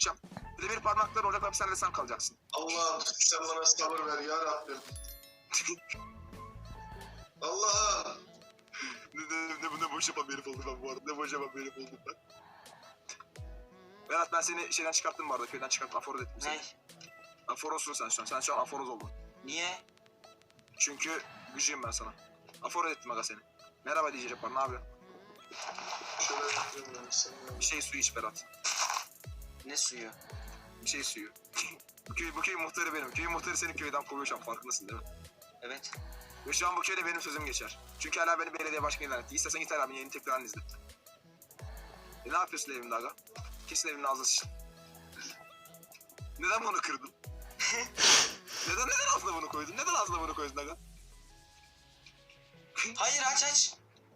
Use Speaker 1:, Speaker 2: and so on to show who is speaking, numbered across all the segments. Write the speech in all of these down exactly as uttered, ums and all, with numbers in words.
Speaker 1: tutacağım. Demir parmaklar olacak abi, sen de sen kalacaksın.
Speaker 2: Allah'ım sen bana sabır ver ya Rabbim. Allah'ım.
Speaker 1: ne, ne, ne, ne boş yapan bir herif oldum ben bu arada. Ne boş yapan bir herif oldum ben. Berat ben seni şeyden çıkarttım bu arada. Köyden çıkarttım. Aforoz ettim seni.
Speaker 3: Ne?
Speaker 1: Aforozsun sen şu an. Sen şu an aforoz oldun.
Speaker 3: Niye?
Speaker 1: Çünkü gücüyüm ben sana. Aforoz ettim aga seni. Merhaba diyecek var. Ne yapıyorsun?
Speaker 2: Şöyle yapayım ben seni.
Speaker 1: Bir şey suyu iç Berat.
Speaker 3: Ne suyu?
Speaker 1: Bir şey suyu. bu, köy, bu köyün muhtarı benim. Köyün muhtarı seni köyden kovuyor şu an. Farkındasın değil mi?
Speaker 3: Evet.
Speaker 1: Ve şu an bu köyde benim sözüm geçer. Çünkü hala beni belediye başkanı ilan etti. İstersen git hala beni yeni tekrarını izle. E ne yapıyorsun evimde aga? Kesin evimin ağzına sıçtın. Neden bunu kırdın? neden neden ağzına bunu koydun? Neden ağzına bunu koydun aga?
Speaker 3: Hayır, aç aç.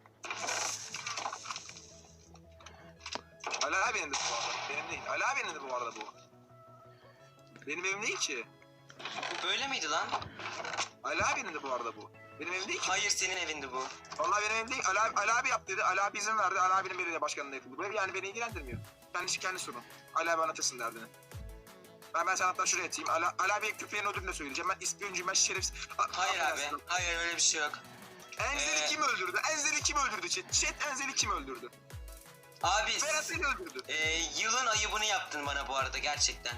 Speaker 1: Ali abinin de bu arada. Benim değil. Ali abinin de bu arada bu. Benim evim değil ki.
Speaker 3: Bu böyle miydi lan?
Speaker 1: Ali abinin de bu arada bu. Benim evim değil ki.
Speaker 3: Hayır, senin evindi bu.
Speaker 1: Vallahi benim evim değil. Ali, abi- Ali abi yap dedi. Ali abi izin verdi. Ali abinin belediye başkanlığı yapıldı. Bu ev yani beni ilgilendirmiyor. Kendisi kendi sorun. Ali abi anlatırsın derdini. Ben ben sana hatta şuraya atayım. Ali, Ali abi köpeğin ödülünü de söyleyeceğim. Ben ispiyoncuyum, ben şerefsiz. A-
Speaker 3: Hayır abi.
Speaker 1: affedersin.
Speaker 3: Hayır, öyle bir şey yok.
Speaker 1: Enzel'i
Speaker 3: Ee,
Speaker 1: kim öldürdü? Enzel'i kim öldürdü chat? Chat Enzel'i kim öldürdü?
Speaker 3: Abi
Speaker 1: Berat seni öldürdü.
Speaker 3: e, yılın ayıbını yaptın bana bu arada gerçekten.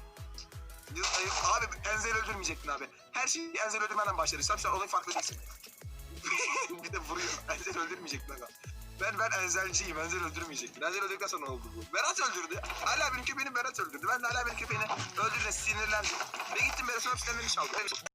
Speaker 1: Abi Enzel'i öldürmeyecektin abi. Her şeyi Enzel'i öldürmeden başladı. Sen şu an olayın farklı değilsin. bir de vuruyor. Enzel'i öldürmeyecektin aga. Ben ben Enzel'ciyim. Enzel öldürmeyecektin. Enzel öldürdükten sonra oldu bu. Berat öldürdü. Ali abinin köpeğini Berat öldürdü. Ben de Ali abinin köpeğini öldürdüğüne sinirlendim. Ve gittim Berat'ın hapishanelerini çaldım.